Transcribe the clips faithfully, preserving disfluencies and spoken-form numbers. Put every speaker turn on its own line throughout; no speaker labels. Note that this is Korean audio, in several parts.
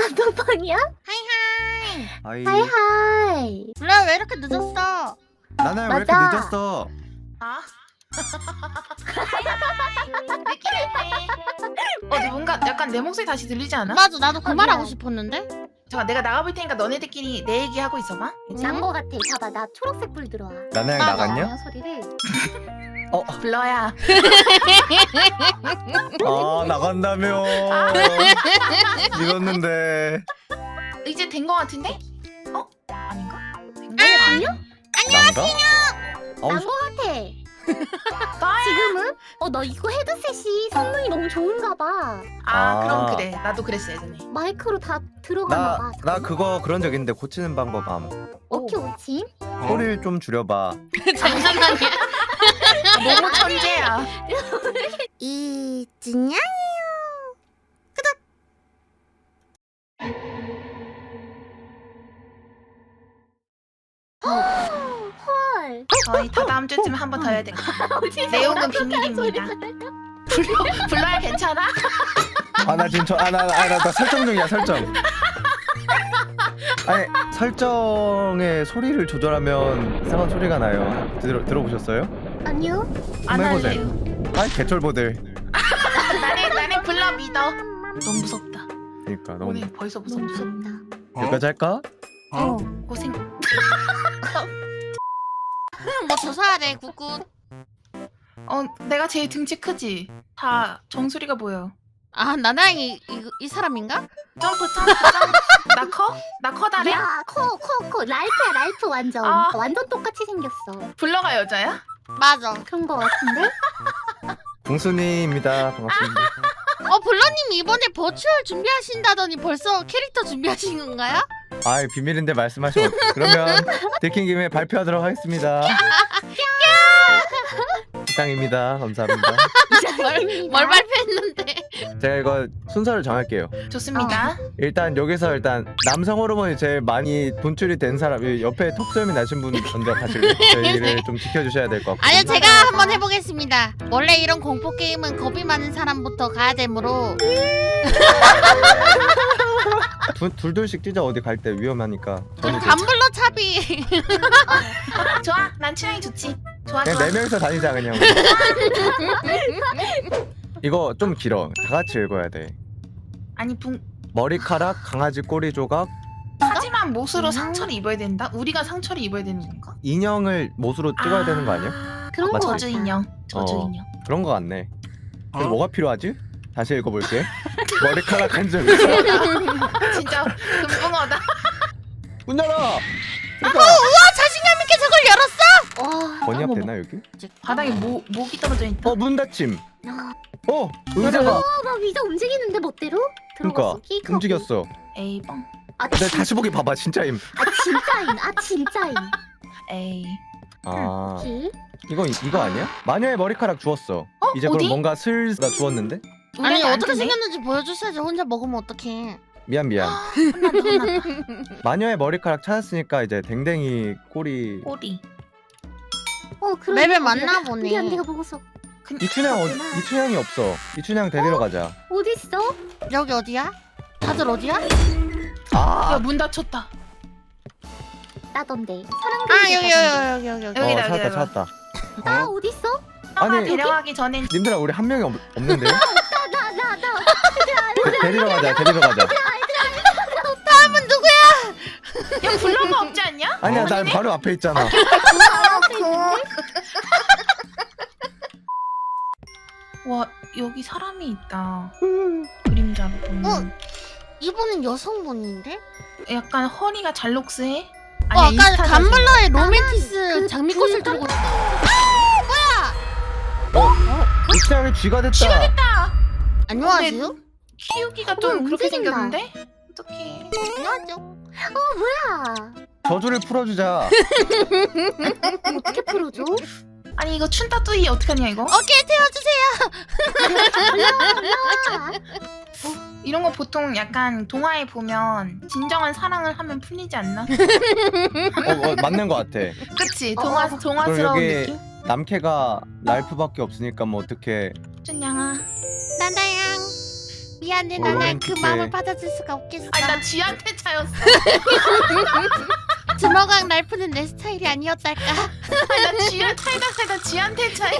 단톡방이야?
하이하이.
아이.
하이하이.
블루야 왜 이렇게 늦었어?
나나야 왜 이렇게
맞아.
늦었어?
아? 느낌 있네. 어, 근데 뭔가 약간 내 목소리 다시 들리지 않아?
맞아 나도 그
아,
말 하고
미안.
싶었는데.
잠깐 내가 나가볼 테니까 너네들끼리 내 얘기 하고 있어봐.
난 거 같아. 봐봐, 나 초록색 불 들어와.
나나야
맞아.
나갔냐?
소리를.
어.
블러야.
아 나간다며. 믿었는데.
이제 된 거 같은데? 어? 아닌가? 된 거?
아니요?
난가? 아우
난 거 같아.
나야.
지금은? 어, 너 이거 헤드셋이 성능이 너무 좋은가 봐.
아,
아.
그럼 그래. 나도 그랬어 예전에.
마이크로 다 들어가나 봐.
나, 나 그거 그런 적 있는데 고치는 방법 암.
오케이, 오지.
소리를 좀 줄여봐.
잠시만요.
너무 천재야.
이진양.
헐.
저희 다 다음 주쯤에 한 번 더 해야 돼. 내용은 비밀입니다. 블러, 블러야 괜찮아?
아 나 지금 저아나아나 나 설정 중이야 설정. 아니 설정의 소리를 조절하면 이상한 소리가 나요. 들어 들어보셨어요?
아니요?
안
한번
할래요.
해보세요. 아이 개쫄보들.
나는 나는 블러 믿어. 너무 무섭다.
그러니까 너무
오늘 벌써
너무
무섭다.
무섭다.
여기까지 할까?
어.
고생.
뭐 조사야 돼 굿굿.
어, 내가 제일 등치 크지? 다 정수리가 보여.
아 나나이 이, 이 사람인가?
점프 점프 점프. 나 커? 나 커다래?
야, 커, 커, 커. 랄프야, 랄프 완전.
아.
완전 똑같이 생겼어.
블러가 여자야?
맞아.
그런 거 같은데?
공순이입니다. 반갑습니다.
어 블러님 이번에 버추얼 준비하신다더니 벌써 캐릭터 준비하신 건가요?
아이 비밀인데 말씀하시면 어떡- 그러면 들킨 김에 발표하도록 하겠습니다. 이상입니다. 감사합니다.
뭘, 뭘 발표했는데?
제가 이거 순서를 정할게요.
좋습니다.
일단 여기서 일단 남성 호르몬이 제일 많이 분출이 된 사람, 이 옆에 톡소염이 나신 분 먼저 가실래요? 저희를 좀 지켜주셔야 될 것 같고.
아니요 제가 한번 해보겠습니다. 원래 이런 공포 게임은 겁이 많은 사람부터 가야 되므로.
두, 둘둘씩 뛰자. 어디 갈 때 위험하니까. 저는 이제
감블러 차비.
좋아. 난 취향이 좋지. 좋아
그냥
좋아.
네 명이서 다니자 그냥. 이거 좀 길어. 다 같이 읽어야 돼.
아니 붕.
머리카락, 강아지 꼬리 조각,
하지만 못으로
음.
상처를 입어야 된다? 우리가 상처를 입어야 되는 건가?
인형을 못으로 찍어야 되는 거 아니야?
그런
맞아.
거
저주
같아.
인형. 저주
어.
인형.
그런 거 같네. 그래서 뭐가 필요하지? 다시 읽어볼게. 머리카락 한 점.
진짜 금붕어다.
문 열어. 그러니까
우와 자신감 있게 저걸 열었어?
와.
번역
어머.
되나 여기?
바닥에 모, 목이 떨어져 있다.
어 문 닫힘.
야.
어 의자가
어, 막 위자 움직이는데 멋대로?
그러니까
들어갔어. 끼고.
움직였어.
에이 뻥.
아,
근데
진,
다시 보기 봐봐 진짜임.
아 진짜인. 아 진짜인.
에이.
아
기?
이거 이거 아니야? 마녀의 머리카락 주웠어.
어?
이제
어디?
그럼 뭔가 슬나 주웠는데?
아니
우리한테 안
어떻게
뜨네?
생겼는지 보여주셔야지. 혼자 먹으면 어떡해.
미안 미안.
혼난다 혼난다.
마녀의 머리카락 찾았으니까 이제 댕댕이 꼬리.
꼬리.
어 그럼.
맵에 맞나 보네.
미안 내가 먹었어.
이춘향 어디? 이춘향이 없어. 이춘향 데리러 가자.
어디 있어?
여기 어디야? 다들 어디야?
아.
야 문 닫혔다.
나던데. 사랑.
아 여기 여기 여기 여기 여기.
어
여기다,
찾았다
여기다.
찾았다.
나 어디 있어?
너가
아니,
데려가기 전엔
님들아 우리 한 명이 없, 없는데요?
나 나 나.
데리러 가자 데리러 가자.
다음은 누구야?
야 블러가 없지 않냐?
아니야 난 바로 앞에 있잖아.
와 여기 사람이 있다. 그림자로 보면.
어? 이분은 여성분인데?
약간 허리가 잘록스해.
어 아까
인스타 사진.
감블러의 로맨티스
그
장미꽃을
불-
들고 있어.
이춘향이 쥐가 됐다.
쥐가 됐다.
안녕하세요?
키우기가
어,
좀 그렇게
움직인다.
생겼는데? 어떡해.
안녕하세요.
뭐야?
저주를 풀어주자.
어떻게 풀어줘?
아니 이거 춘따뚜이 어떡하냐 이거?
오케이 태워주세요.
올라와.
이런 거 보통 약간 동화에 보면 진정한 사랑을 하면 풀리지 않나?
어, 어 맞는 것 같아.
그치?
어.
동화, 동화스러운
그럼 여기-
느낌?
남캐가 랄프밖에 없으니까 뭐 어떻게?
춘양아
나나양 미안해
어,
나는 그
어떡해.
마음을 받아줄 수가 없겠어.
아니 나 쥐한테 차였어.
주먹왕 날프는 내 스타일이 아니었달까.
아니 나 쥐를 살다 살다 쥐한테 차이.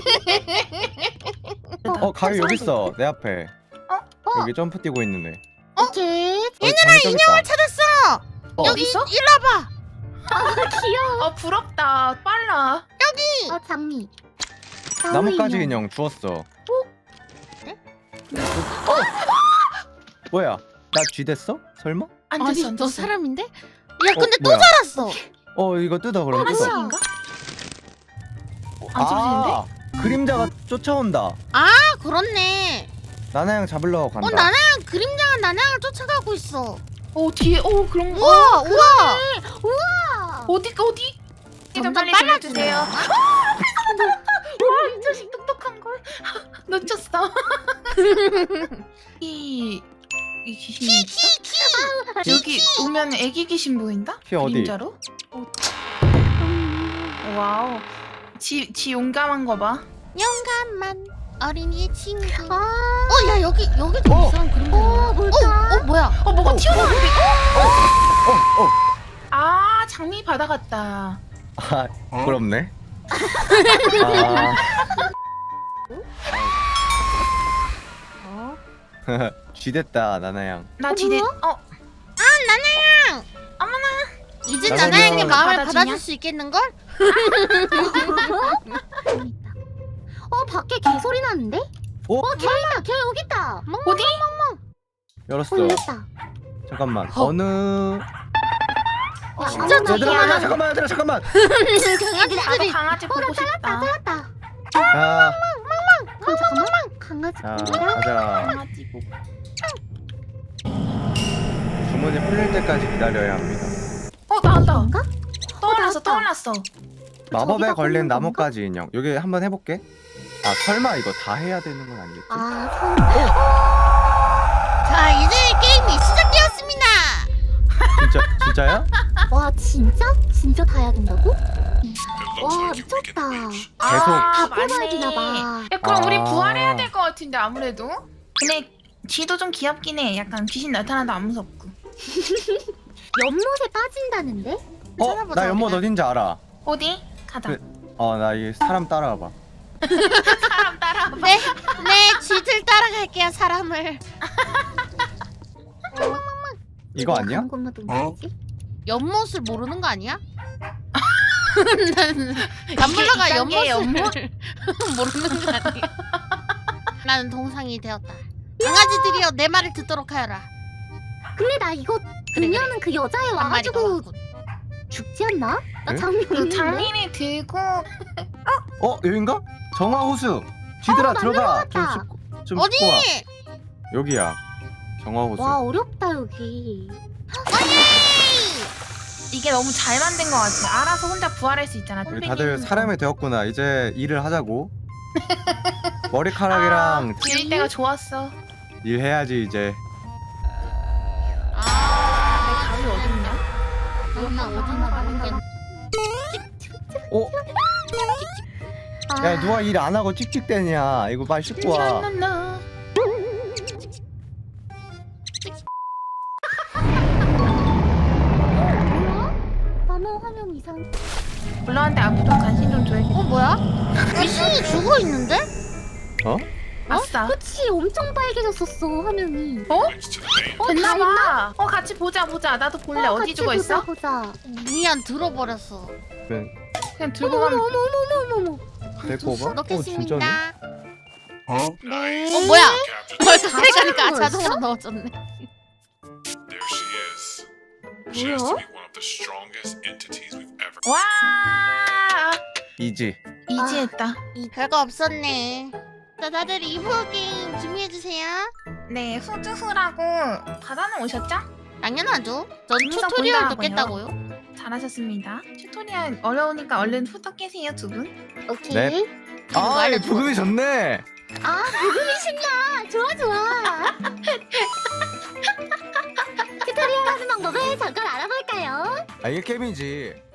어 가위 여기 있어 내 앞에.
어?
여기 점프 뛰고 있는 애.
오케이.
얘들아 인형을
찾았어.
어.
여기
어딨어?
일로 와봐.
아 귀여워.
어 부럽다. 빨라.
어 장미.
나뭇가지
인형.
인형 주웠어.
어?
뭐야? 나 쥐 됐어? 설마?
안
아니
됐어 안
너
됐어.
사람인데? 야
어,
근데 또
뭐야?
자랐어.
어 이거 뜯어 그럼 뜯어.
하나씩인가? 안 쏘지는데?
아 그림자가 쫓아온다.
아 그렇네.
나나양 잡으러 간다.
어 나나양 그림자가 나나양을 쫓아가고 있어.
어 뒤에 어 그런 거.
우와 우와.
우와.
어디 어디? 좀
점점
빨리
빨라지네.
들려주세요. 와, 이 자식 똑똑한 걸. 놓쳤어. 이, 이 귀신 있어?
키.
여기 오면 애기 귀신 보인다?
키 어디?
그림자로? 와우. 지, 지 용감한 거 봐.
영감한 어린이의 친구.
아.
어 야 여기 여기도
어.
이상한 그림자.
어 뭘까?
어, 어 뭐야?
어, 뭐가
어,
튀어나오는데?
어, 어.
아, 장미 바다 같다.
아 부럽네. 아.
어.
쥐 됐다 나나양.
나 지대.
뭐야?
어,
이제
나나양
나나양의 마음을
받아주냐?
받아줄 수 있겠는걸?
재밌다. 어 밖에 개 소리 나는데?
어?
어 개 있다. 개 여기 있다.
어디?
열었어.
어 열렸다.
잠깐만.
어.
어느
어,
진짜
아무나
얘들아
얘기하나?
얘들아 잠깐만 얘들아 잠깐만.
나도
강아지들이
강아지
어,
보고
나
싶다.
잘랐다.
자,
그럼 잠깐만. 강아지
자
보자.
가자.
강아지 보고.
주문이 풀릴 때까지 기다려야 합니다.
어, 나왔다.
뭔가?
떠올랐어,
나왔다.
떠올랐어.
마법에
저기다
걸린
꽂는
나뭇가지 인형. 여기 한번 해볼게. 아 설마 이거 다 해야 되는 건 아니겠지?
아 성.
자 이제 게임이 시작되었습니다.
진짜 진짜야?
와 진짜? 진짜 다 해야 된다고? 와 미쳤다.
계속.
아,
뽑아야 되나 봐.
야, 그럼 우리
아.
부활해야 될 것 같은데 아무래도. 근데 쥐도 좀 귀엽긴 해. 약간 귀신 나타나도 안 무섭고.
연못에 빠진다는데?
어?
찾아보자,
나 연못
우리는.
어딘지 알아.
어디? 가자.
그- 어 나 이 사람 따라와봐.
사람 따라와봐.
네, 네 쥐들 따라갈게요 사람을.
이거 아니야?
건너도 뭐지?
연못을 모르는 거 아니야? 나는 남블러가
이 단계의
연못을 모르는 거 아니야? 나는 동상이 되었다. 강아지들이여 내 말을 듣도록 하여라.
근데 나 이거
그래,
그녀는 그 여자애
한 마리가
와가지고
왔군.
죽지 않나? 나
응?
장미
그
있는데?
장미를 들고
어 여긴가? 정화호수. 쥐들아
어, 나
들어가. 좀
들어갔다.
씹고 좀
어디?
씹고 와. 여기야. 정화호수.
와 어렵다 여기.
이게 너무 잘 만든 것 같아. 알아서 혼자 부활할 수 있잖아.
우리 다들 사람이 되었구나. 이제 일을 하자고. 머리카락이랑
아, 지을 때가 좋았어.
일해야지 이제.
아,
내 가위 어딨냐?
너나 어디나 모르겠네.
어?
아,
야 누가 일 안 하고 찍찍대냐. 이거 빨리 씹고 와.
나나나.
뭐야? 나는 화면 이상.
블러한테 앞으로 관심 좀 줘야겠다.
어 뭐야? 귀신이 죽어 있는데?
어?
아싸.
그치 엄청 빨개졌었어 화면이.
어?
어,
됐나봐. 어 같이 보자 보자. 나도 볼래.
어,
어디
같이
죽어
보자,
있어?
보자.
미안 들어버렸어.
그냥
그냥
어머
들고
어머
가면.
어머 어머 어머 어머.
데리고 오봐. 어
넣겠습니다.
진짜네.
네.
어 뭐야? 벌써
자동으로
가니까
넣었어?
자동으로 넣어줬네.
There she is. She has to be one of the strongest entities we've ever.
와.
이지.
이지했다.
별거 없었네. 자 다들 이 부 게임 준비해주세요.
네, 후주후라고 바다는 오셨죠?
당연하죠. 전
영상
튜토리얼
본다고요.
듣겠다고요.
잘하셨습니다. 튜토리얼 어려우니까 얼른 후딱 깨세요 두 분.
오케이.
네. 아
알려줘.
부금이 좋네.
아 부금이 신나. 좋아 좋아. 튜토리얼 하는 방법을 잠깐 알아볼까요?
아 이게 게임이지.